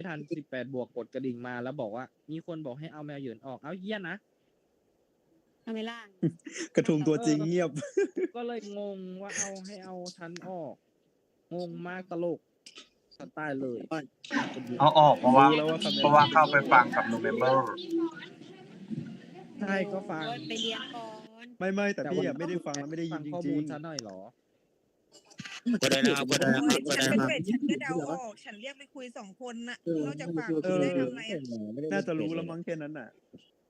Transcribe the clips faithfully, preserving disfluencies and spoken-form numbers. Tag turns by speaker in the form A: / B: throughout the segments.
A: ทันสิบแปดบวกกดกระดิ่งมาแล้วบอกว่ามีคนบอกให้เอาแมวเหยินออกเอาเฮี้ยนะ
B: ทำไมล่ะ
C: กระทุงตัวจริงเงียบ
A: ก็เลยงงว่าเอาให้เอาฉันออกงงมากตลกสไตล์เลย
D: เอาออกเพราะว่าเพราะว่าเข้าไปฟังกับโนเวมเบอร์
A: ใช่ก็ฟัง
B: ไปเรียนก่อน
C: ไม่ไม่แต่พี่ไม่ได้ฟังแล้วไม่ได้ยินจริงๆข้อมูล
A: ฉันหน่อยหรอ
E: ก็ได้นะครับก็ได้นะครับก็ได้
F: ฉัน
E: นะครับ
F: เป็นฉันก็เดาออกฉันเรียกไปคุยสองคนน่ะนอกจากฝากได้ทำไงอ่ะ
C: น่าจะรู้แล้วมั้งแค่นั้นน่ะ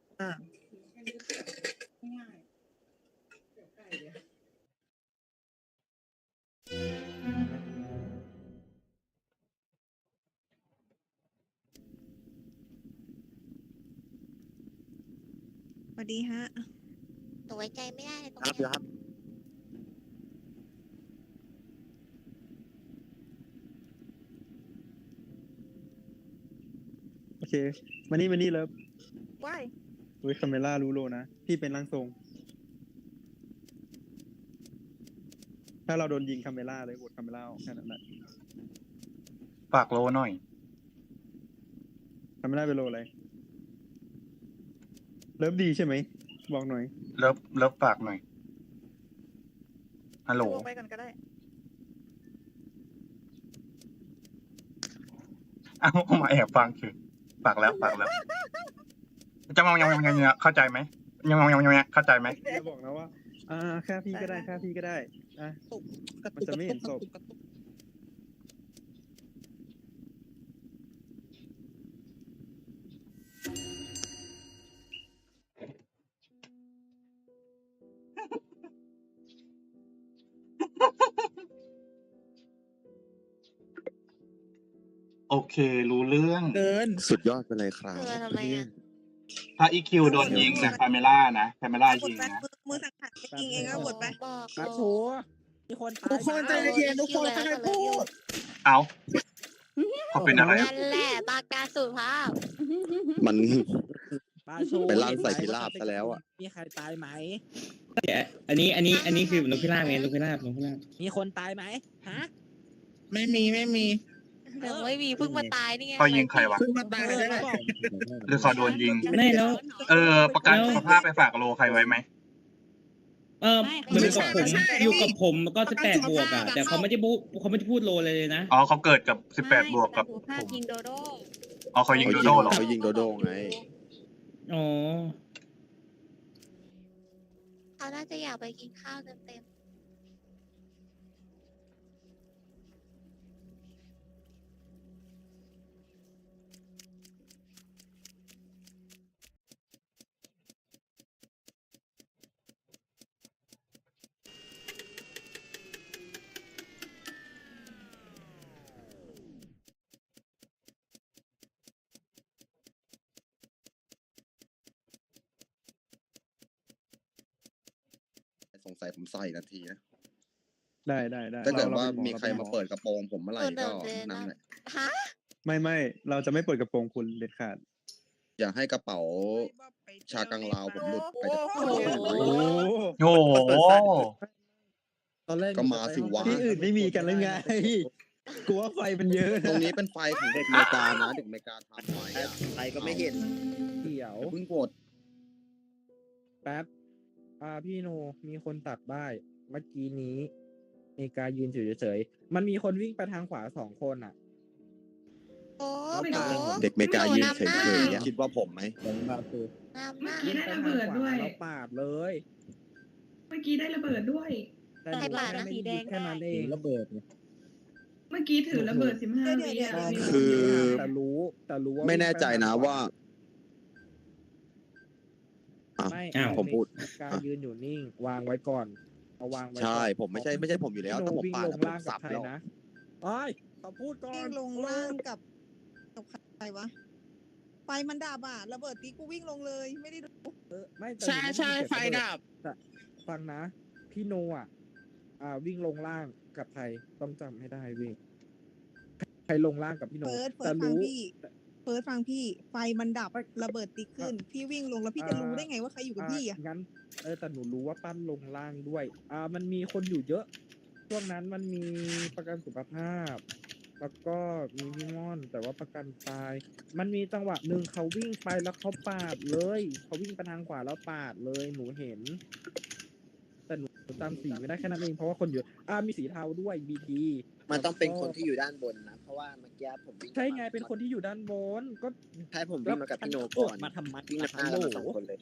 F: สวัสดีฮะ
B: ตัวไว้ใจไม่ได้เลยตรง
E: ครับ
B: นี้
E: ครับ
C: โอเคมานี่มานี่เลิฟ
F: ว้าย
C: เฮ้ยคาเมล่ารู้โลนะพี่เป็นร่างทรงถ้าเราโดนยิงคาเมล่าเลยโหวตคาเมล่าแค่นั้นแหละ
D: ฝากโลหน่อย
C: คาเมล่าเป็นโลอะไรเลิฟดีใช่ไหมบอกหน่อย
D: เลิฟเลิฟฝากหน่อยฮัลโหล
F: ไปกันก็ได้
D: เอามาแอบฟังคือฝากแล้วฝากแล้วจะมองยังยังยังเข้าใจไหมยังมองยังยังเข้าใจไหม
C: จะบอกนะว่าอ่าค่าพี่ก็ได้ค่าพี่ก็ได้อ่ะมันจะไม่เห็นศพ
D: โอเครู้เรื่อง
E: เกินสุดยอดไปเลยครับ
B: ทำไมอ่ะ
D: ถ้าอีคิวโดนยิงนะคาเมล่านะคาเมล่ายิงนะ
F: มือสังหารยิงเองก็บดไป
A: กระโถมีคนตาย
E: ทุกคนใจเย็นทุกคนใครพูด
D: เอาเขาเป็นอะไร
B: นั่นแหละปากกาสุภาพ
E: มันไปลั่นใส่พิราบซะแล้วอ่ะ
A: มีใครตายไหม
G: อันนี้อันนี้อันนี้คือนกพิราบไงนกพิราบนกพิราบ
A: มีคนตายไหมฮะ
E: ไม่มีไม่มี
B: เดี๋ยวไม่มีเพิ่งมาตายนี่ไง
D: เขายิงใครวะ
E: เพิ่งมาตายเลย
D: หรือเขาโดนยิง
G: ไม่แล้ว
D: เออประกันสุขภาพไปฝากโลใครไว้ไหม
G: เออมันอยู่กับผมอยู่กับผมก็สิบแปดบวกอ่ะแต่เขาไม่ได้พูดเขาไม่ได้พูดโลเลยนะ
D: อ๋อเขาเกิดกับสิบแปดบวกกับ
B: ผมยิงโดโด
D: อ๋อเขายิงโดโดหรอ
E: เขายิงโดโดไง
G: อ๋อ
B: เขาน่าจะอยากไปกินข้าวเต็ม
E: สงสัยผมใส่นาทีนะ
C: ได้ได้ได้
E: ถ้าเกิดว่ามีใครมาเปิดกระโปรงผมเมื่อไหร่ก็นั่นแหละ
B: ฮะ
C: ไม่ไม่เราจะไม่เปิดกระโปรงคุณเด็ดขาด
E: อย่าให้กระเป๋าชากังลาวผมหลุดไปจากโอ้
D: โห
C: ตอนแรก
E: ก็มาสิวะ
C: ที่อื่นไม่มีกันเลยไงกลัวไฟมันเยอะ
E: ตรงนี้เป็นไฟของเด็กอเมริกานะเด็กอเมริกาทำไฟอ่ะ
C: ไฟก็ไม่เห็นเดี๋ยว
E: เพิ่งกด
A: แป๊บอ่าพี่โนมีคนตัดได้เมื่อกี้นี้เมกายืนเฉยๆมันมีคนวิ่งไปทางขวาสองคนอ่ะ
B: โอ้
E: เด็กอเมริกายืนเฉยๆคิดว่าผมไหม
B: เมื่อ
A: กี้ได้ระเบิดด้วยเราปาดเลย
H: เมื่อกี้ได้ระเบิดด้วย
A: แต่ปาดสีแดงแค่นั้นเองระเบิด
H: เมื่อกี้ถือระเบิดสิบห้าวิ
E: คือ
A: แต่รู้แต่รู้ว่า
E: ไม่แน่ใจนะว่า
A: ไม่
E: ผมพูด
A: การยืนอยู่นิ่งวางไว้ก่อนเอาวางไว้
E: ใช่ผมไม่ใช่ไม่ใช่ผมอยู่แล้วถ้าผมปาดผมสับแล้ว
A: นะโอ้ยเขาพูดก่อน
F: ลงล่างกับกับใครวะไฟมันดับอ่ะระเบิดตีกูวิ่งลงเลยไม่ได้ดู
A: ไม่
E: ใช่ใช่ไฟดับ
A: ฟังนะพี่โนอ่ะอ่าวิ่งลงล่างกับใครต้องจำให้ได้วิ่งใครลงล่างกับพี่โน
F: แต่รู้เฟิร์สฟังพี่ไฟมันดับระเบิดตีขึ้นพี่วิ่งลงแล้วพี่จะรู้ได้ไงว่าใครอยู่กับพี่อ่ะ
A: งั้นเออแต่หนูรู้ว่าปั้นลงล่างด้วยอ่ามันมีคนอยู่เยอะช่วงนั้นมันมีประกันสุขภาพแล้วก็มีพี่ม่อน แต่ว่าประกันตาย มันมีจังหวะหนึ่งเขาวิ่งไปแล้วเขาปาดเลยเขาวิ่งไปทางขวาแล้วปาดเลยหนูเห็น แต่หนูจำสีไม่ได้แค่นั้นเองเพราะว่าคนเยอะอ่ามีสีเทาด้วยบีที
E: มันต้องเป็นคนที่อยู่ด้านบนนะ เพราะว่าเมื่อกี้ผมวิ่ง
A: ใช่ไงเป็นคนที่อยู่ด้านบนก็
E: ใช่ผมวิ่งมากับพี่โนก่อน
A: มาทำไม
E: วิ่ง
A: มา
E: มา
A: ทำ
E: กัน
A: โหล
E: มาสองคนเลย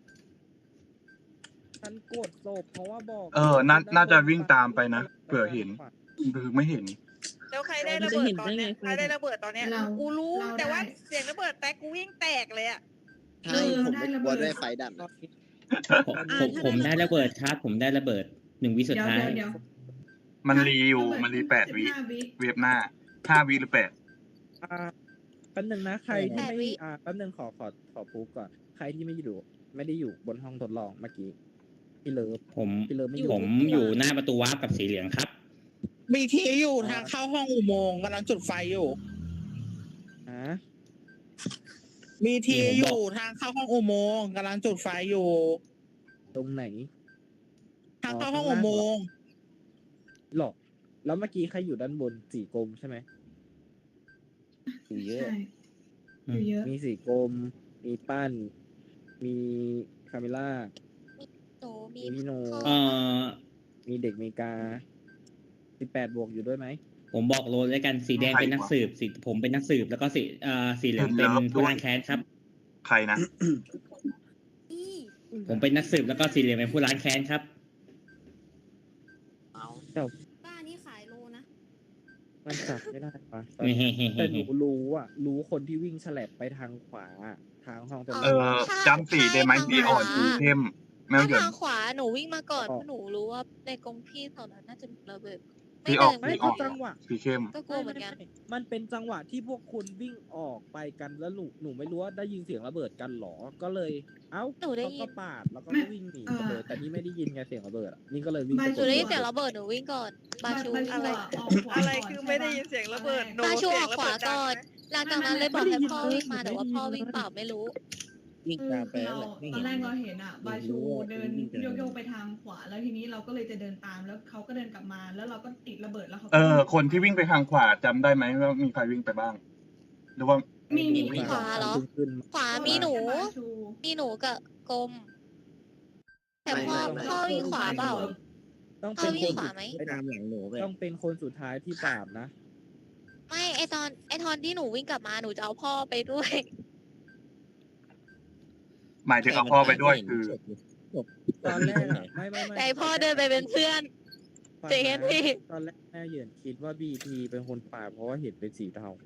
A: ฉันกดศพเพราะว่าบอก
D: เออน่าน่าจะวิ่งตามไปนะเผื่อเห็น คือไม่เห็น
I: แล้วใครได้ระเบิดตอนเนี้ยใครได้ระเบิดตอนเนี้ย
H: เรา
I: กูรู้
H: เรา
I: แต่ว่า
H: ได้
I: เสียงระเบิดแต่กูวิ่งแตกเลยอ่ะ
E: ใช่ผมไม่กลัวด้วยไฟดับ
A: ตอ
E: นะ
A: นนี้
G: ผมผมผมได้ระเบิดครับผมได้ระเบิดหนึ่งวิสุด
H: เดี๋ยว
G: ท้าย
H: เดี๋ยวเดี๋ยว
D: มันรีอยู่มันรีแปดวิ
H: สิบห้าวิ
D: เวฟหน้าห้าวิหรือแปด
A: อ่าแป๊บนึงนะใครที่ไม่อ่าแป๊บนึงขอขอขอพูดก่อนใครที่ไม่อยู่ไม่ได้อยู่บนห้องทดลองเมื่อกี้พี่เลิฟ
G: ผม
A: พี่เลิฟไม่อยู่
G: ผมอยู่หน้าประตูวาร์ปกับสีเหลืองครับ
J: บีทีอยู่ทางเข้าห้องอุโมงค์กำลังจุดไฟอยู่
A: ฮะ
J: บีทีอยู่ทางเข้าห้องอุโมงค์กำลังจุดไฟอยู่
A: ตรงไหน
J: ทางเข้าห้องอุโมงค์
A: หรอแล้วเมื่อกี้ใครอยู่ด้านบนสีกลมใช่ไหมสีเยอะ
H: ใช่อยู่เยอะ
A: มีสีกลม มีปั้น มีคาเมล่า
B: หนูมี
A: มีพี่โน
G: เอ่อ
A: มีเด็กเมกาสิบแปดบวกอยู่ด้วยไหม
G: ผมบอกโรลแล้วกันสีแดงเป็นนักสืบสีผมเป็นนักสืบแล้วก็สีเอ่อสีเหลืองเป็นผู้ล้างแค้นครับ
D: ใครนะ
G: ผมเป็นนักสืบแล้วก็สีเหลืองเป็นผู้ล้างแค้นครับ
B: บ้านนี้ขายโลนะ
A: มันจับไม่ได้ปะ
G: เฮ้เฮ้เฮ้
A: แต่ห
G: เฮ้
A: นูรู้อ่ะ รู้คนที่วิ่งแฉลบไปทางขวา ทางห้องตรง
D: เออจำสีได้ไหมสีอ่อนสีเข้มแมว
B: ถ้า
D: เหยิน
B: ทางขวาหนูวิ่งมาก่อนเพราะหนูรู้ว่าในกรงพี่แถวนั้นน่าจะมีระเบิด
D: สีออก
B: ไม่
D: สี
B: เดิน
D: อ
B: ไม่
D: อก
A: จังหวะ
D: สีเข้ม
B: ก็กลัวเหมือนกัน
A: ไไไมันเป็นจังหวะที่พวกคุณวิ่งออกไปกันแล้วหนูหนูไม่รู้ว่าได้ยินเสียงระเบิดกันหรอ ก็เลย เอ้า
B: หนูได้ยิน
A: ก็ปาดแล้วก็วิ่งหนีไปเลย แต่นี่ไม่ได้ยินไงเสียงระเบิดอะนี่ก็เลยวิ่ง
H: ไม่
A: ไป
B: หนูได้ยินเสียงระเบิดหนูวิ่งก่อน บาชู
H: บา
B: อะไร
H: ออกขวา
I: อะไร
H: ก่น
I: คือไม่ได้ยินเสียงระเบิดหนู
B: บาชู
I: เสี
B: อย
I: ง
B: อก
I: ระ
B: ข
I: เบิ
B: วา
I: ดดัง
B: ก่อน
I: ไหม
B: หลังจากนั้นเลยบอกให้พ่อวิ่งมาแต่ว่าพ่อวิ่งเปล่าไม่รู้
J: วิ่ง
H: คือ
J: ตามไป
H: เรา
J: แหละไม่
H: ตอ
J: เห็
H: น
J: น
H: แรกเราเห็นอ่ะ บาชู
J: รู้ว่า
H: เดิน
J: วิ่งไปไหน
H: โยกๆไปทางขวาแล้วทีนี้เราก็เลยจะเดินตามแล้วเขาก็เดินกลับมาแล้วเราก็ติดระเบิดแล้วเขาก็
D: เออ คนที่วิ่งไปทางขวาจำได้ไหมว่ามีใครวิ่งไปบ้าง หรือว่า
H: มีมีมี
B: ขวาเหรอ
A: ขึ้น
B: ขวามีหนู
H: บาชู
B: มีหนูกับกลม แต่พ่อ
E: ไม่ไม่
B: พ่อวิ่งขวาเปล่า
A: ต้อง
B: พ่
A: เป็
B: อน วิ่
A: ค
B: ง
A: น
B: ขวาไหม
J: ไปตามหลังหนูไป
A: ต้องเป็นคนสุดท้ายที่ปราบนะ
B: ไม่ไอตอนไอตอนที่หนูวิ่งกลับมาหนูจะเอาพ่อไปด้วย
D: หมายถึงเอาพ่อไปด้วยคือ
A: ตอนแรกอะไม่ไม่ไม่
B: แต่พ่อเดินไปเป็นเพื่อน
A: ฟัง
B: เจน
A: นะ
B: พี่
A: ตอนแรกแม่เหยินคิดว่าบีทีเป็นคนปราบเพราะว่าเห็นเป็นสีเทา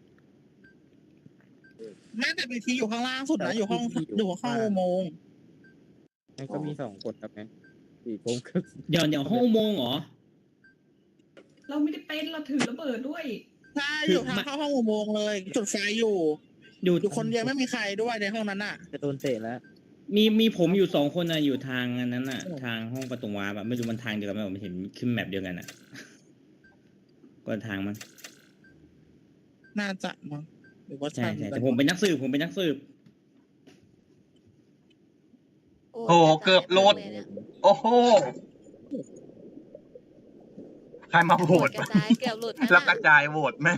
J: แม่แต่บีทีอยู่ข้างล่างสุดนะอยู่ห้องอยู่ห้องอุโมงค์
A: นั่นก็มีสองคนครับไงสีกลมกับ
G: เดี๋ยวเดี๋ยวห้องอุโมงค์เหรอ
H: เราไม่ได้เป็นเราถือระเบิดด้วย
J: ใช่อยู่ทางเข้าห้องอุโมงค์เลย จุดไฟอยู่
G: อยู่
J: อยู่คนเดียวไม่มีใครด้วยในห้องนั้นอ่ะ
A: จะโดนเตะแล้ว
G: มีมีผมอยู่สองคนนะอยู่ทางอันนั้นน่ะ ทางห้องประตูวาร์ปอะไม่รู้มันทางเดียวกันไหมผมเห็นขึ้นแมปเดียวกันอ่ะก็ทางมัน
J: น่าจะมั้งหรือว่า
G: ใช่
J: ใช่
G: ใช่แต่ผมเป็นนักสืบผมเป็นนักสืบ
D: โอ้เกือบโหลด โอ้โห ใครมาโห
B: โห
D: ว
B: ว
D: ต
B: ตกระจายเกือบหลุด
D: แล้วกระจายโหวตแม่ง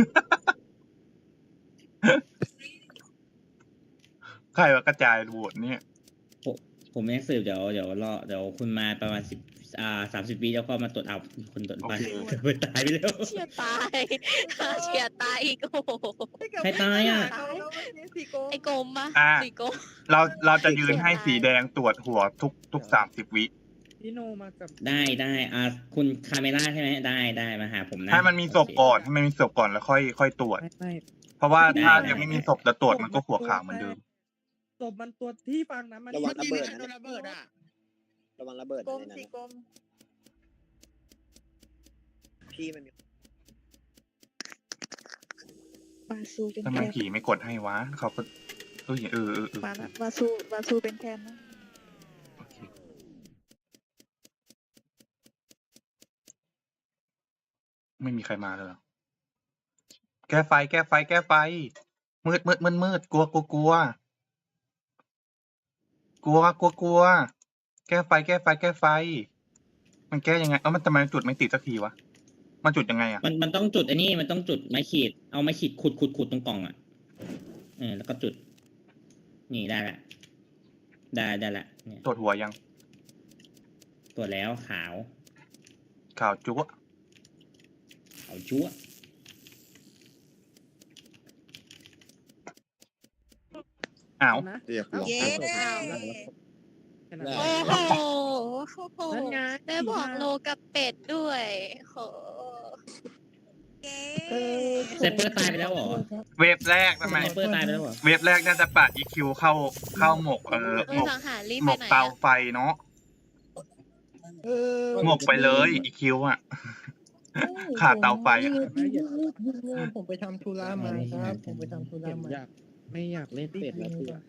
D: ใครว่ากระจายโหวตเนี่ย
G: ผมผมเป็นนักสืบเดี๋ยวเดี๋ยวรอเดี๋ยวคุณมาประมาณสิบอ่าสามสิบวิแล้วก็มาตรวจเอาคนตรวจไป
D: โอเค
G: เปิดตายไปแล้ว
B: เฉียดตาย เฉียดตายอีกโอ้โห
G: ใครตายอะ
I: เขาแล้วเมื่อกี้สีโก
B: ไอ้กลมปะ
D: อ่า
B: สีกลม
D: เราเราจะยืนให้สีแดงตรวจหัวทุกทุกสามสิบวิ
A: พี่โนมากับ
G: ได้ได้อ่าคุณคาเมล่าใช่ไหมได้ได้มาหาผมนะ
D: ให้มันมีศพก่อนให้มันมีศพก่อนแล้วค่อยค่อยตรวจ
A: ไม่ไม่
D: เพราะว่า
G: ได้
D: ถ้า
G: ได้
D: ยังไม่มีศพจะตรวจมันก็หัวขาวเหมือนเดิม
A: ศพมันตัวที่ฟังนะมัน
E: ระวัง
J: เมื่อ
E: ระ
J: กี้
E: เบิ
J: มี
E: ด
J: ใคร
E: นะ
J: โดนระเบิดอ่ะ
E: ระวังระเบิด
I: กลม
E: ในนั้น
I: สี
E: นะ
I: กลม
E: พี่มันมี
I: บาซูเป็น
D: ทำไม
I: แคน
D: ผีไม่กดให้วะเขาก็เออเออเออเออ
I: มาละบาซูบาซูเป็นแคนนะ
D: โอเคไม่มีใครมาเลยเหรอแก้ไฟ แก้ไฟ แก้ไฟ มืดมืดมืดมืดกลัวกลัวกลัวกลัวกลัวกลัวแก้ไฟ แก้ไฟ แก้ไฟ มันแก้ยังไงเอ้ามันทำไมจุดไม่ติดสักทีวะมันจุดยังไงอ่ะ
G: มันมันต้องจุดไอ้นี่มันต้องจุดไม้ขีดเอาไม้ขีดขุดขุดขุดตรงกล่องอ่ะเออแล้วก็จุด นี่ได้ละได้ได้ละเนี่ย
D: ตรวจหัวยัง
G: ตัวแล้วขาว
D: ข่าวจุ๊ะ
G: ขาวชั่ว
D: อ้าว
A: นะ
E: เรียบร้อย
F: เย้
A: แค่นั้น
E: ได้
B: โอ้โหโอ้โห
A: นั่นไง
B: ได้บอกโลกับเป็ดด้วยโห
F: เย้
G: เซปเปอร์ตายไปแล้วเหรอ
D: เวฟแรกทำไม
G: เซปเปอร์ตายไปแล้วเหรอ
D: เวฟแรกน่าจะปาด อี คิว เข้าเข้าหมกเออ
B: เอ
D: หม
B: อก สังหารรีบ
D: หม
B: ไป
D: ก
B: ไหน
D: เตา
B: อะ
D: ไฟเนาะหมกไปเลย อี คิว อ่ะ ขาดเตาไฟอ่ะ
C: ผมไปทำธุระมาครับ ผมไปทำธุระ
A: เห็น
C: มา
A: อยากไม่อยากเล่นเป็ดแล้วเพื่อ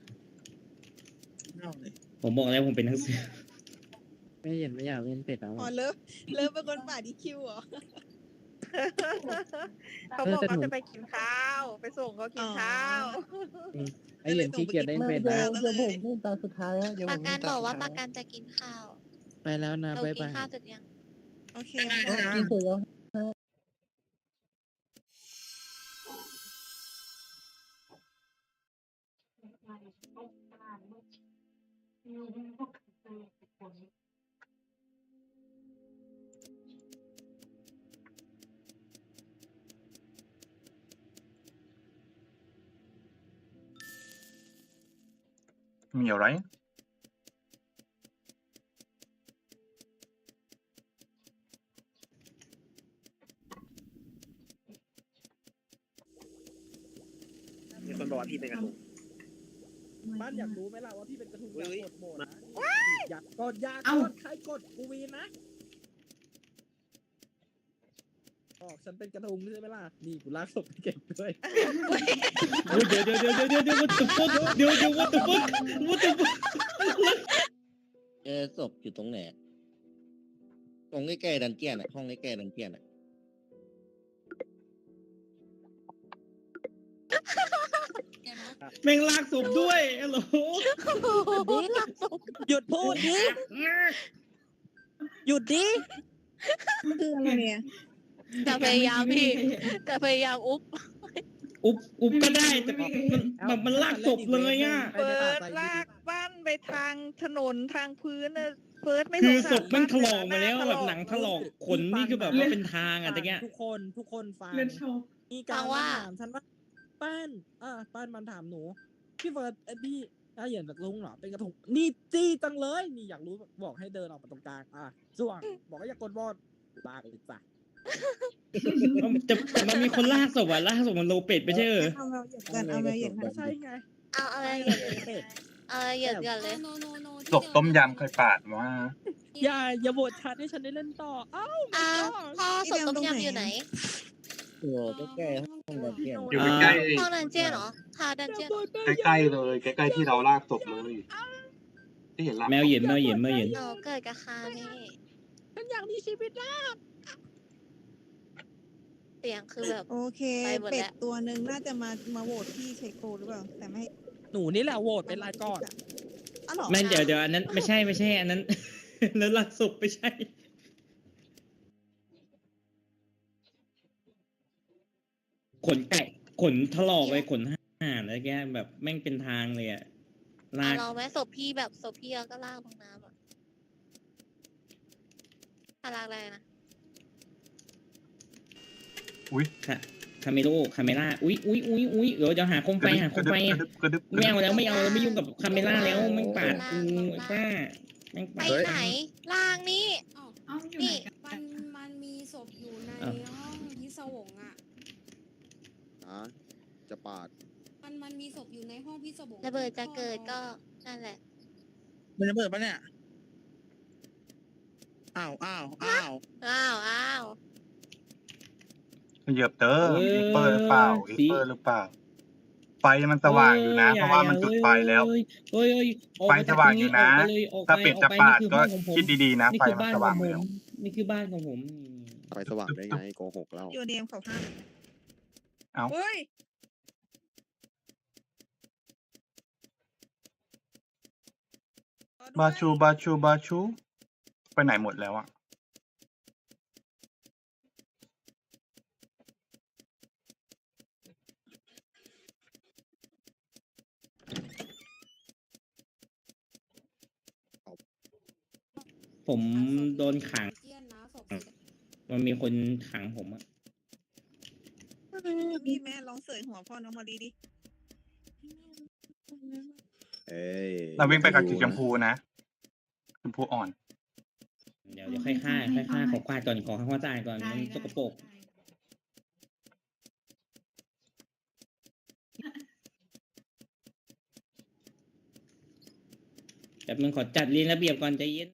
G: ผมบอกแล้วผมเป็นนักสืบ
A: ไม่เห็นไม่อยากเล่นเป็ดแล้ว
F: อ๋อ
A: อะ
F: เลิฟเลิฟเป็นคนป่าดีคิวเหรอ
I: เขาบอกเขาจะไปกินข้าว ไปส่งเขากินข้าว
A: ไอเหรียญขี้เกียจเล่นเป็ดนะ
F: เดี๋ยวผม
C: เล่นตาสุดท้ายแล้วเดี๋ยว
B: ป
C: ผ
B: ระ
C: ม
B: กันบอกว่าประกันจะกินข้าว
A: ไปแล้วนะ
B: เรา
A: บ๊าย
B: กิน
A: บาย
B: ข้าวเสร็จยัง
F: โอเค
C: กินเสร็จแล้ว
D: มีอะไร
C: มีคนบอกว่าพี่เป็นกระทุง
A: บ้านอยากรู้ไหมล่ะว่าพี่เป็นกระทุงอยากกดโหมดนะอยากกดอยาก
H: เอ้า
A: กดใครกดกูวีนนะบอกฉันเป็นกระทุงใช่ไหมล่ะนี่กูลากศพไปเก็บด้วย
G: เดี๋ยวเดี๋ยวเดี๋ยวเดี๋ยวเดี๋ยว what the fuck เดี๋ยวเดี๋ยว what the fuck what the fuck
E: เจอศพอยู่ตรงไหนตรงใกล้ๆดันเจียนอ่ะห้องใกล้ๆดันเจียนอ่ะ
G: แม่งลากศพด้วยฮัลโหล
B: ดีหลักศพ
F: หยุดพูดดิ หยุดดิคืออะไรเนี่ย
B: จะพยายามพี่จะพยายามอุ๊บ
G: อุบอุบก็ได้แต่มันมันมันลากศพเลยอ่ะ
I: เปิดลากบ้านไปทางถนนทางพื้นน่ะเปิดไม่
G: คือ
I: สง
G: ศ
I: สาร
G: พแม่งถลอกมาแล้ว
I: บ้
G: แบบหนังถลอกขนนี่คือแบบว่าเป็นทางอ่ะตะเงี้ย
A: ทุกคนทุกคนฟัง
H: เล่นโชว์
A: มีการมาถามฉันว่าป้านอ่าป้านมันถามหนูพี่เฟิร์สไอพี่ถ้าเหยียนกระทุงเหรอเป็นกระทุงนี่จี้จังเลยนี่อยากรู้บอกให้เดินออกมาตรงกลางอ่ะส่วงบอกว่าอย่ากดบอลลากเลยจ้ะ
G: แต่แต่มันมีคนลากศพอ่ะลากศพมันโลเป็ดไปใช่เหรอ
F: เอาแมวเหยียบกันเอาแมวเหยียบกัน
A: ใช่ไง
B: เอาอะไรเหยียดเอาอะไรเหยียดกันเลย
D: ศพต้มยำเคยปาดว่า
A: อย่าอย่าโหวตชัดให้ฉันได้เล่นต่อเอ้า
B: อ้าวพ่อศพต้มยำอยู่ไหน
E: โอ้ใกล้ๆห้องดันเจียน
D: อยู่ใกล้
B: ห้องดันเจียนเหรอทาวดันเจียน
D: ใกล้ๆเลยใกล้ๆที่เราลากศพเลยที่เห็นลาก
G: แมวเหย็นแมวเหย็นแมวเหย็น
B: เราเกิดกับคานี่
A: ฉันอยากมีชีวิตนะ
B: เสียงคือแบบ
F: โอเค
B: ไปหมด
F: เป็
B: แล้
F: ด
B: ว
F: ตัวหนึ่งน่าจะมามาโหวตพี่เชโกหรือเปล่า แต่ไม่ให้
A: หนูนี่แหละโหวตเป็นรายก่อน
F: อ๋อเหรอ
G: แม่งเดี๋ยวเดี๋ยวอันนั้นไม่ใช่ไม่ใช่อันนั้น แล้วลากศพไม่ใช่ ขนไก่ขนถลอกเลยขนห่านอะไรแกแบบแม่งเป็นทางเลยอะลา
B: อ่ะ
G: ก
B: เราไหมศพพี่แบบศพพี่แล้วก็ลากลงน้ำอ่ะถ้าลากอะไรนะ
G: ค่ะคาเมโร่คาเมล่าอุ้ยอุ้ยอุ้ยอุ้ยเดี๋ยวจะหาโคมไฟหาโคมไฟ
D: กระดึบกระดึบกระดึบ
G: ไม่เอาแล้วไม่เอาแล้วไม่ยุ่งกับคาเมล่าแล้วแม่งปาดกูไอ้ป้าแม่ง
B: ไป
G: ปาด
B: ไหนล่างนี่
H: เอ้าอยู่ไหนกัน
K: มันมันมีศพอยู่ใน
G: อ้าว
K: ห้องพิศวงอ่ะ
E: อ่ะจะปาด
K: มันมันมีศพอยู่ในห้องพิศวง
B: ระเบิดจะเกิดก็นั่นแหละ
J: มันระเบิดปะเนี่ย อ้าวอ้าวอ้าว
B: อ้าวอ้าว
D: เหยียบเตอร์อีเปอร์หรือเปล่าอีเปอร์หรือเปล่า ไฟมันสว่างอยู่นะ เพราะว่ามันจุดไฟแล้ว
G: เฮ้ยเฮ้ยออก
D: ไฟ
G: ป
D: สว่างอยู่นะ
G: กไปเลยออกไป
D: ถ้าเป็ด
G: ออ
D: จะ
G: ไป
D: ปาด
G: นี่
D: ก็
G: คือบ้านของผม
D: คิดดีๆนะ
G: นี่
D: ไฟ
G: คือ
D: มัน
G: บ้าน
D: ส
G: ขอ
D: ว่าง
G: งผ
D: แล้ว
G: มนี่คือบ้านของผม
E: ไฟสว่างได้ไงโกหกเรา
F: โยเดมเขาห้าม
D: เอ้า
F: เฮ้ย
D: บาชูบาชูบาชู ไปไหนหมดแล้วอะ
G: ผมโดนขัง
K: เจียนนะศพสีดำ
G: มันมีคนขังผมอะ
F: พี่แม่ลองเสยหัวพ่อน้องมาดีดิ
C: เอ้ย
D: เราวิ่งไปกับสีชมพูนะชมพูอ่อน
G: เดี๋ยวเดี๋ยวค่อยฆ่าค่อยฆ่าขอกวาดก่อนขอข้าวตายก่อน
H: ได้
G: มัน
H: ได้
G: สกปรก แบบมึงขอจัดเรียนระเบียบก่อนใจเย็น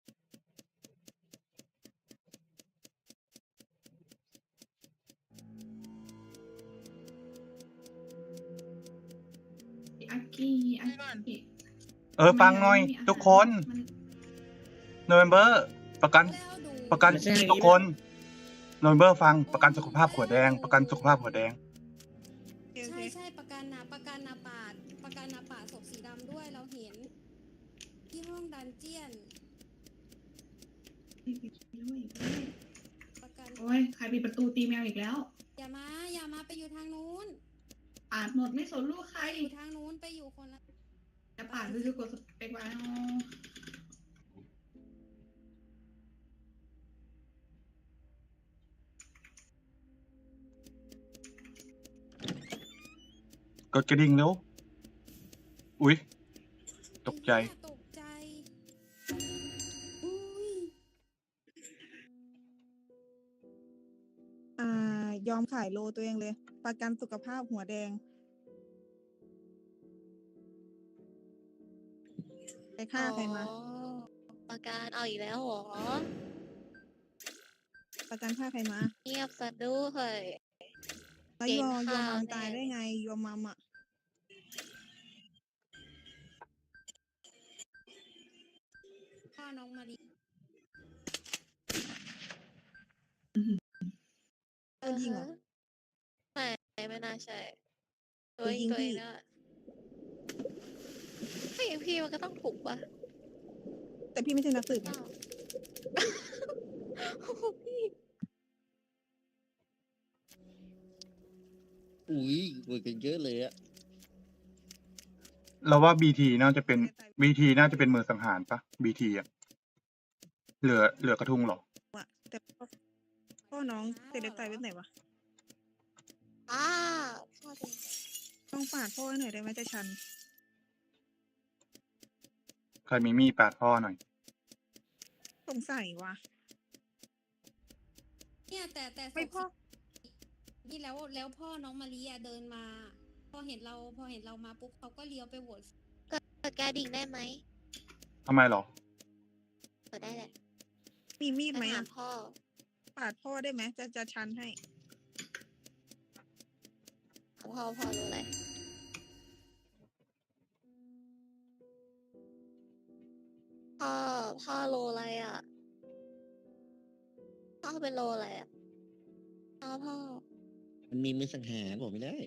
H: อากิอากิ
D: เออฟังหน่อย ทุกคน โนเวมเบอร์ประกัน
K: แล้วดู
D: ประกันทุกคนโนเวมเบอร์ฟังประกันสุขภาพหัวแดง ประกันสุขภาพหัวแดง
F: โอเคโอ
K: ใช่
F: เค
K: ใช่ประกันนะประกันนาปาดประกันนาปาดศพสีดำด้วยเราเห็น ที่ห้องดันเจียนประกัน
H: โอ้ยใครปิดประตูตีแมวอีกแล้ว
K: อย่ามาอย่ามาไปอยู่ทางนู้น
H: อาดหมดไม่สนลูกใคร
K: ไปอยู่ทางนู้นไปอยู่คนละ
H: จะปาดไปคือกดสเปกไว้เอา
D: กดกระดิ่งเร็วอุ๊ย ตกใจ
K: ไอ้เหี้ยตกใจอุ้ย
F: อ่ายอมขายโลตัวเองเลย ประกันสุขภาพหัวแดงไปฆ่าใครมา
B: อ๋อประกันเอาอีกแล้วเหรอ
F: ประกันฆ่าใครมา
B: เงียบซะด้วย
F: แล้ว
B: เก่ง
F: ยอยอ
B: ค่ะ
F: มัม
B: แน่
F: ตายได้ไงยอมัมอ่ะ
K: พ่อน้องมาดี
F: โดนยิงเหรอ
B: ไม่ไม่น่าใช่
F: โด
B: ตัวน เอ
F: ยิ
B: ง
F: ง
B: ตัวเอง
F: พี่
B: นะไม่อย่างพี่มันก็ต้องถูกปะ
F: แต่พี่ไม่ใช่นักสืบนะ
B: อ้าวโอ้โหพี่
E: อุ้ยเปิดกันเยอะเลยอะ
D: เราว่าบีทีน่าจะเป็นบีทีน่าจะเป็นมือสังหารปะบีทีอะเหลือเหลือกระทุงเหรอ
F: ว่ะแต่พ่อพ่อน้องเซเลบตายเว็บไหนวะ
B: อ้าพ่อเป็น
F: ต้องปาดพ่อให้หน่อยได้ไหมจะชัน
D: ใครมีมีดปาดพ่อหน่อย
F: สงสัยว่ะ
K: เนี่ยแต่แต่ศพ
F: ไม่พ่อ
K: สีนี่แล้วแล้วพ่อน้องมารีอะเดินมา พอเห็นเราพอเห็นเรามาปุ๊บเขาก็เลี้ยวไปโหวต
B: เปิดกระดิ่งได้ไหม
D: ทำไมเหรอ
B: เปิดได้แหละ
F: มีมีด
B: ไป
F: ไหม
B: หา
F: อ่ะ
B: พ่อ
F: ปาดพ่อได้ไหมจะจะชันให้
B: พ่อพ่อรู้อะไรพ่อพ่อโลอะไรอ่ะพ่อเป็นโลอะไรอ่ะพ่อพ่อ
E: มันมีมือสังหารบอกไม่ได้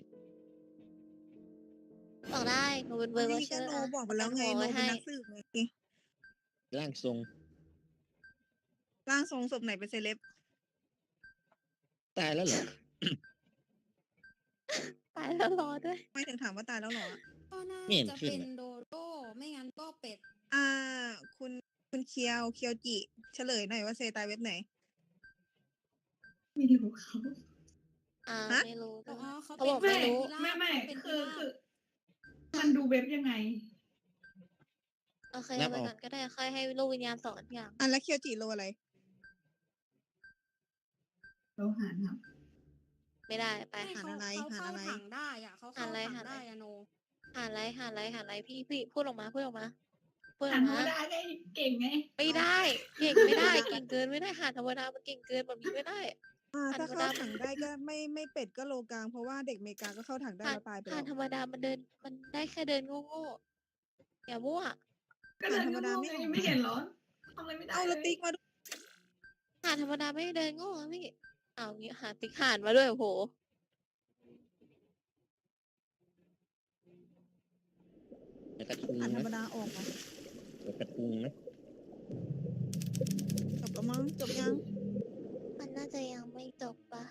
B: บอกได้หนูเป็นเบอร์วอ
F: นี่
B: เช
F: ก็
B: อร์
F: โน
B: อะ
F: บอกไปแล้วไง
B: เอา
F: โน
B: ไว้
F: เป็น
B: ให้
F: นักสืบไง
E: ร่างทรง
F: ร่างทรงศพไหนเป็นเซเลบ
E: ตายแล้วเหรอ
B: ตายแล้วรอด้วย
F: ไม่ถึงถามว่าตายแล้วเหรอ
K: ก็น่า
E: ไม่เห็น
K: จะ
E: ขึ้น
K: เป็น
E: อะ
K: โดโด้ไม่งั้นก็เป็ด
F: อ่า คุณคุณเคียวเคียวจิเฉลยหน่อยว่าเซตายเว็บไหน
H: ไม่รู้เขา
B: อ่า
F: ฮะ
B: ไม่รู้
K: อ๋
B: ด้
K: อ
B: วย
K: เขา
B: เขา
K: เป็
B: บ
K: น
B: อก
H: ไม่
B: ไม่รู้
H: ไม่ไม่
K: เป็น
H: คือ
K: พิราบ
H: คือ มันดูเว็บยังไง
B: โอเค
E: นั
B: เอา
E: บ
B: ไป
E: เอา
B: ก่อนก็ได้ค่อยให้ลูกวิญญาณสอนอย่าง
F: อ่ะแล้วเคียวจิโลอะไร
H: เราหารครับ
B: ไม่ได้ไป
K: ไม่
F: หา
K: เขา
F: อะไร
K: เขา
F: หา
K: เข้า
F: อะไร
K: ถังได้อ่ะเขาเข้า
B: หาอะไร
K: ถัง
B: หาอะไร
K: ได้อะโน
B: หาอะไรหาอะไรหาอะไรพี่พี่พูดออกมาพูดออกมาพูดอ
H: หา
B: อก
H: ธร
B: มาร
H: มดาได้เก่งไง
B: ไม่ได้เก่งไม่ได้ เก่งเกินไม่ได้หาธรรมดามันเก่งเกินแบบนี้ไม่ได้
F: อ่า
B: อัน
F: ถ้า
B: ธรรม
F: เข้า
B: ดา
F: ถังได้ก็ไม่ไม่เป็ดก็โลกลาง เพราะว่าเด็กเมกาก็เข้าถังได้
B: หา
F: แล้วตายไป
B: หา
F: แล้ว
B: ธรรมดามันเดินมันได้แค่เดินโง่ๆอย่ามั่ว
H: ก็เดิน
F: ธรรมดา
H: โง่
F: ไม่
H: ๆไง
F: ออก
H: ยังไม่เห็นเหรอทำอะไรไม่ได้
F: เอา
H: เล
F: ละ
H: ย
F: ติ๊กมาดู
B: หาธรรมดาไม่เดินโง่อะพี่เอางี้หาติ๊กหานมาด้วยโอ้โห
E: แล้วกระทุง
F: อ่านธร
E: นะ
F: รมดาออกมา
E: แล้วกระทุงนะ
F: จบแล้วมั้งจบยัง
B: มันน่าจะยังไม่จบปะ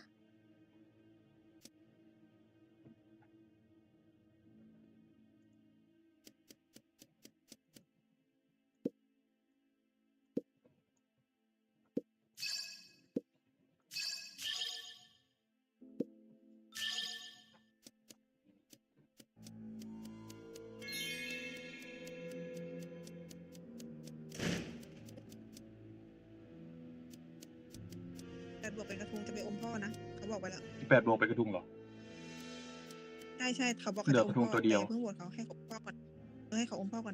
F: บวกเป็นกระทุงจะไปอมพ่อนะเขาบอกไปแล้ว
D: สิบแปดบวกไปกระทุงเหรอ
F: ใช่ใช่เขาบอก
D: เหลือ
F: จะ
D: กระทุงตัวเดียว
F: แเพิ่งโหวตเขาให้เขาอมพ่อก่อนเออให้เขาอมพ่อก่อน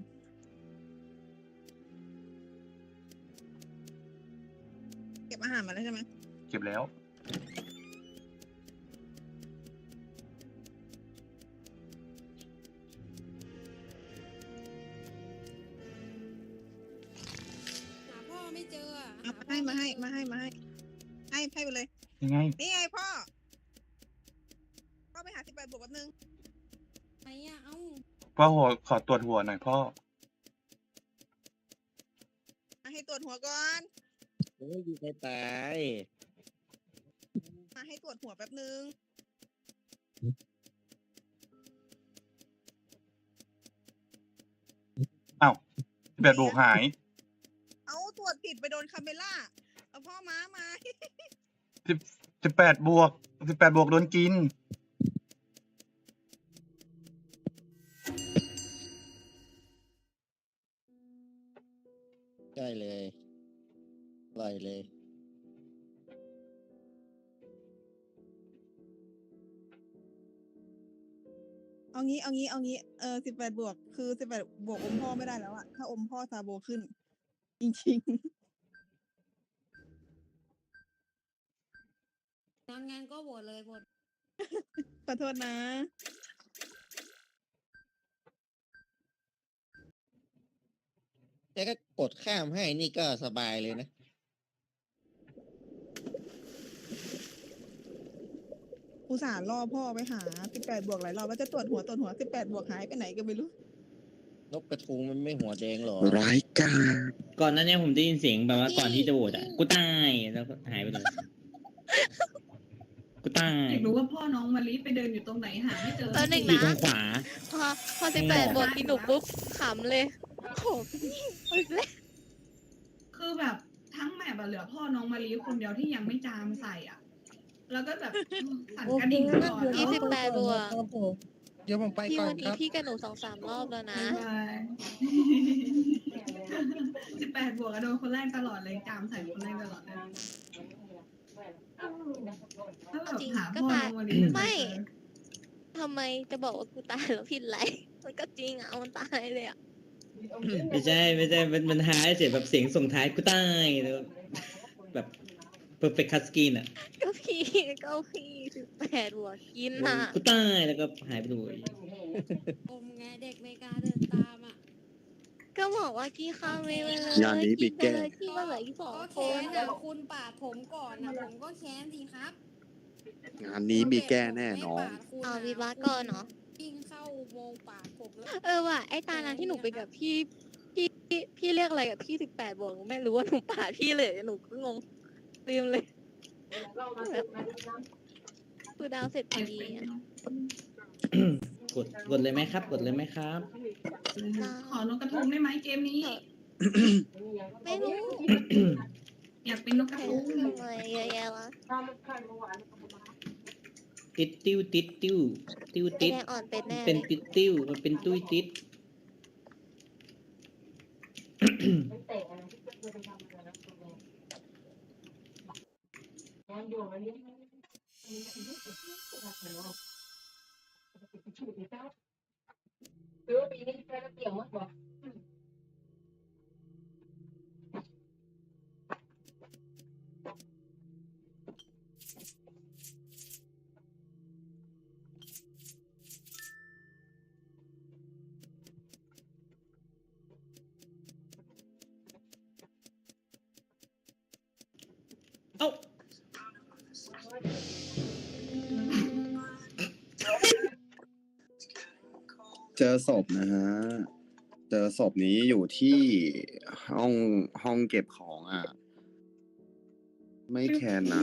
F: เก็บอาหารมาแล้วใช่ไหม
D: เก็บแล้ว
K: หาพ่อไม่เจออะ
F: เอา
K: ห
F: มาให้
K: พ่อ
F: มาให้
K: ไเจอ
F: มาให้มาให้ให้ให้ไปเลย
D: ยังไง
F: นี่ไงพ่อพ่อไปหาสิบแปดบวกแป๊บนึง
K: ไหนอะเอ้า
D: พ่อหัวขอตรวจหัวหน่อยพ่อ
F: มาให้ตรวจหัวก่อน
E: โอ้ยยิงใครตาย
F: มาให้ตรวจหัวแป๊บนึง
D: อ้าวสิบแปดบวกหาย
F: เอาตรวจผิดไปโดนคาเมล่าเอาพ่อม้ามา
D: สิบสิบแปดบวกสิบแปดบวกโดนกิน
E: ใช่เลยปล่อยเลย
F: เอางี้เอางี้เอางี้เออสิบแปดบวกคือสิบแปดบวกอมพ่อไม่ได้แล้วอะถ้าอมพ่อซาโบขึ้น จริง
K: งั้นงั้นก็โหวตเลยโหวต
F: ๆ ขอโทษนะ
E: แต่ก็กดข้ามให้นี่ก็สบายเลยนะ
F: อุตส่าห์ล่อพ่อไปหาสิบแปดบวกหลายรอบว่าจะตรวจหัวตรวจหัวสิบแปดบวกหายไปไหนก็ไม่รู้
E: นกกระทุงมันไม่หัวแดงหรอ
J: ร้ายกาจ
G: ก่อนหนั้นเนี่ยผมได้ยินเสียงแบบว่าก่อนที่จะโหวตอ่ะกูตายแล้วก็หายไปเลยกูตาย
H: อยากรู้ว่าพ่อน้องมะลิไปเดินอยู่ตรงไหนหาไม่เจอ
B: แล้วหนึ่ง
G: อยู่ตร
B: นะ
G: งขวา
B: พอพอสิบแปดบวกกินหนูปุ๊บขำเลยโอ้โหอีกแล้ว
H: คือแบบทั้งแมปอะเหลือพ่อน้องมะลิคนเดียวที่ยังไม่จามใส่อ่ะ แล้วก็แบบสั่นกระดิ่งตลอด
B: ยี่สิบแปดบวก
J: เดี๋ยวผมไป
B: พี่
J: ก่อน
B: วัน
J: ค
B: นี้
J: รับ
B: พี่กับหนูสองสามรอบแล้วนะ
H: สิบแปดบวกอะโดนคนแรกตลอดเลยจามใส่คนแรกตลอดเลยถ้าแบบ
B: จริง
H: หา
B: ก็
H: พ่อ
B: ตาย
H: น้องมะลิ
B: ไม่ ทำไมจะบอกว่ากูตายแล้วผิดไรมันก็จริงอ่ะมันตายเลยอ่ะ
G: ไม่ใช่ไม่ใช่มันมันหายเสียงแบบเสียงส่งท้ายกูตายแล้วแบบ perfect cut screen อ่ะ
B: ก็พี่ก็พี่สิบแปดบวกกินอ่ะ
G: กูตายแล้วก็หายไปเลย
K: อมไงเด็กไม่กล้าเดินตามอะ
B: ก็บอกว่ากี้ข้ามไม่เลย
J: งานนี้มีแก้
B: เลยที่ว่าเหลืออีกสอง
K: ก็
B: ค
K: แค้
B: น
K: นอะคุณปาดผมก่อนนะผมก็แค้นสิครับ
J: งานนี้มีแก้แน่นอน
B: เอาวีบาก่อนเนาะ
K: วิ่งเข้าอุโมงค์ปาดผมแล้ว
B: เออว่ะไอ้ตานั้นที่หนูไปกับพี่พี่พี่พี่เรียกอะไรกับพี่สิบแปดบวกหนูไม่รู้ว่าหนูปาดพี่เลยหนูก็งงลืมเลยคือดาวเสร็จพอดีอะ
G: กดกดเลยไหมครับ กดเลยไหมครับ
H: ขอนกกระทุงได้ไหมเกมนี้
B: ไม่รู้
H: อยากเป็นนกกระ
B: ใคร
H: ทุง
B: ทำอะไรเยอะแยะวะ
G: ติดติ้วติดติ้วติ้ว
B: ไอ
G: ติด
B: แดงอ่อนเป็นแน่
G: เป็น
B: เลย
G: ติดติ้วมันเป็นตุ้ยติด เอ้า
J: เจอศพนะฮะ เจอศพนี้อยู่ที่ห้องห้องเก็บของอ่ะ ไม่แคนนะ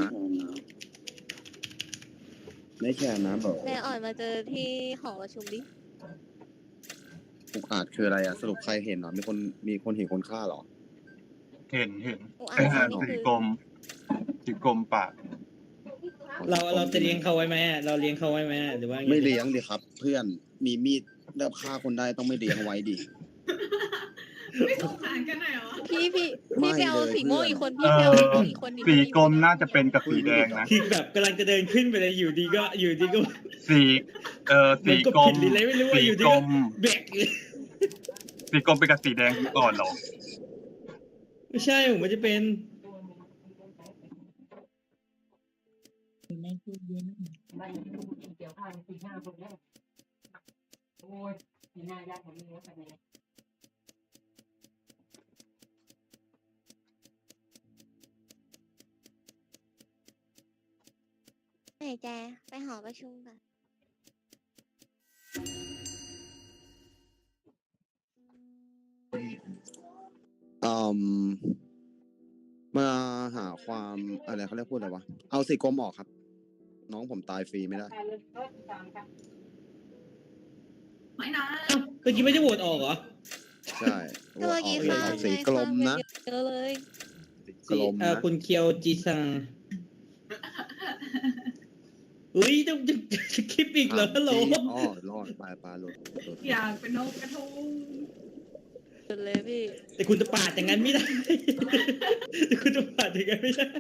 J: ไม่แคนนะบอก
B: แดงอ่อนมาเจอที่หอประชุมดิ
J: อุกอาจคืออะไรอ่ะ สรุปใครเห็นเหรอ มีคนมีคนเห็นคนฆ่าเหรอ
D: เห็นเห็น
B: อุอา
D: ไอ้
B: จ
D: ห่า
B: นี่
D: สี
B: คือก
D: ลมสีกลมปาก
G: เราเราจะเลี้ยงเขาไว้ไหมอะเราเลี้ยงเขาไว้ไหมอะหรือว่าไง
J: ไม่เลี้ยงดิครับ เพื่อนมีมีดแล้วฆ่าคนได้ต้องไม่เลี้ยงไว้ดิ
H: ไม่สงสารกันหน่อยเหรอ
B: พี่พี่
J: ไม่
B: พี่ไปเอา
J: เลย
B: สีม่วง
J: เพื่อน
B: อีกคนพี่ไปเอาสีม่วงอีกคนดิ
D: สีกลมน่าจะเป็นกับสีแดงนะ
G: คือแบบกำลังจะเดินขึ้นไปเลยอยู่ดีก็อยู่ดีก็
D: สีเอ่อ
G: มั
D: สี
G: นก็
D: กล
G: ผิ
D: ม
G: ดหรืออะไรไม่รู้ว่า
D: สี
G: อยู่ดี
D: กล
G: ก็
D: ม
G: แบกเลย
D: สีกลมเป็นกับสีแดงก่อนเหรอ
G: ไม่ใช่ผมมันจะเป็น
B: ไหนแจไปหอประชุมกัน
J: อืมมาหาความอะไรเขาเรียกพูดอะไรวะ เอาสีกรมออกครับ น้องผมตายฟรีไม่ได้
H: ไม่นะ
G: อ้าวเมื่อกี้ไม่ได้โหวตออกเหรอ
J: ใช่
B: ก็เมื่อกี้
J: อ
B: ข้า
J: อก
B: ง
J: สีกลมนะ
B: เยอะเลย
J: สีกลม
G: เอ่อ
J: นะ
G: คุณเคียวจีซังอุ้ยต้องจะจะคลิปอีกเหรอฮัลโหล
J: อ๋อรอดปลายปลาหลุดหลุด
H: อยากเป็นนกกระทุง
B: สุดเลยพี่
G: แต่คุณจะปาดอย่างนั้นไม่ได้ แต่คุณจะปาดอย่างนั้นไม่ได้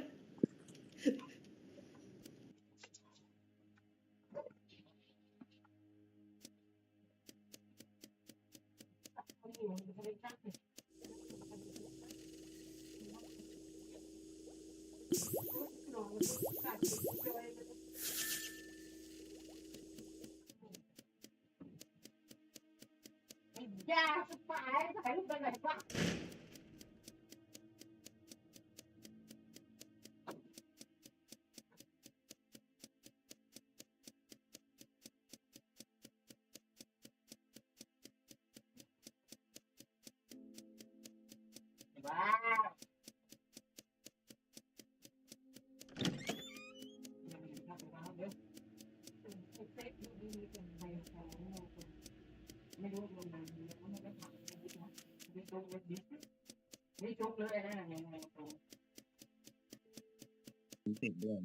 E: ติดด้วยนะ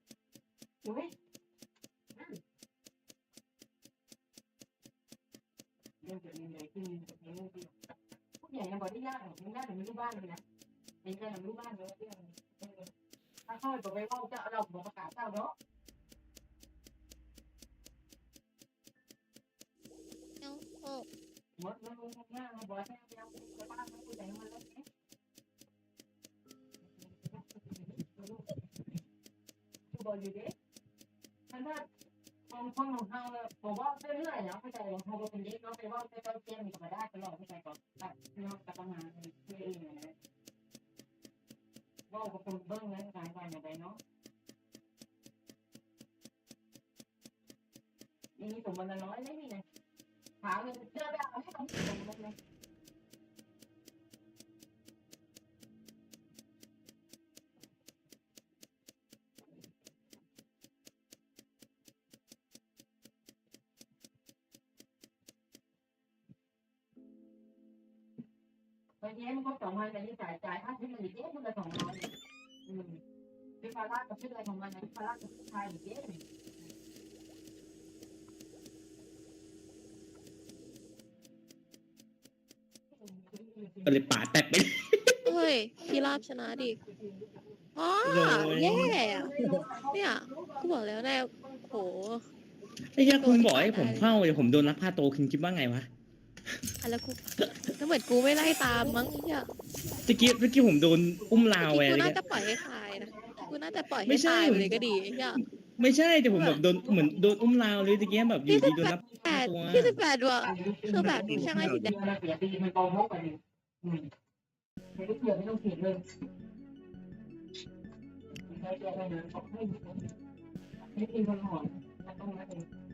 B: เอาโอ้
G: ก็เลยปาดแตกไป
B: เฮ้ยพี่ราบชนะดิอ๋อ
G: โอ้ย
B: แย่อะเนี่ยกูบอกแล้วแน่โห
G: ไอ้ยาคุณบอกให้ผมเข้าเดี๋ยวผมโดนลักพาโตคุณคิดว่าไงวะ
B: อะแล้วกูแล้วเหมือนกูไม่ไล่ตามมั้งเนี่ย
G: เมื่อกี้เมื่อกี้ผมโดนอุ้มลาว
B: จ
G: ไป
B: ริงๆกู
G: อะไร
B: น่า
G: เงี้
B: จะ
G: ย
B: ปล่อยให้ตายนะกูน่าจะปล่อย
G: ไม่
B: ให้
G: ใช่
B: ตายไปเลยก็ดีเนี่ย
G: ไม่ใช่แต่ผมแบบโดนเหมือนโดนอุ้มลาวเลยตะเกียบแบบอยู่ดีโดนลัก
B: แป
G: พา
B: ด
G: ตัว
B: ที่สิบแปดว่ะคือแบบช่างไอ้สีแดง
H: ไม่มีคนหอนต้องมาเอง